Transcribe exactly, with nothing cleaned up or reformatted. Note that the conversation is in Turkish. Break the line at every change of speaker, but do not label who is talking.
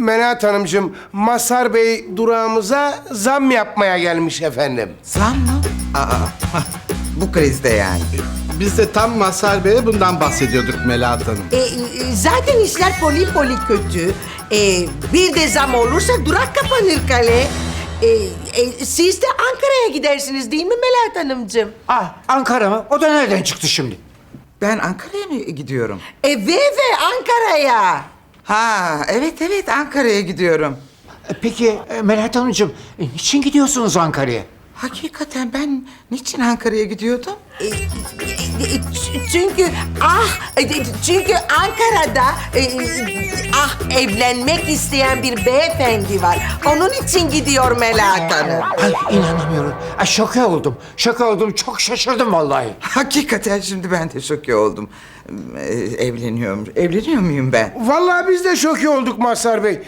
Melahat Hanımcığım, Mazhar Bey durağımıza zam yapmaya gelmiş efendim.
Zam mı? Aa, bu krizde yani.
Biz de tam Mazhar Bey'e bundan bahsediyorduk Melahat Hanım.
E, e, zaten işler poli poli kötü. E, bir de zam olursa durak kapanır kale. E, e, siz de Ankara'ya gidersiniz değil mi Melahat Hanımcığım?
Ah, Ankara mı? O da nereden çıktı şimdi?
Ben Ankara'ya mı gidiyorum?
E, ve ve Ankara'ya.
Ha, evet evet Ankara'ya gidiyorum.
E, Peki e, Melahat Hanımcığım, e, niçin gidiyorsunuz Ankara'ya?
Hakikaten ben niçin Ankara'ya gidiyordum?
E, e, e, ç- çünkü ah e, çünkü Ankara'da e, ah evlenmek isteyen bir beyefendi var. Onun için gidiyor Melahat Hanım.
Ay inanamıyorum. Ay, şoke oldum. Şoke oldum. Çok şaşırdım vallahi.
Hakikaten şimdi ben de şoke oldum. Ee, evleniyorum. Evleniyor muyum ben?
Vallahi biz de şoke olduk Mazhar Bey.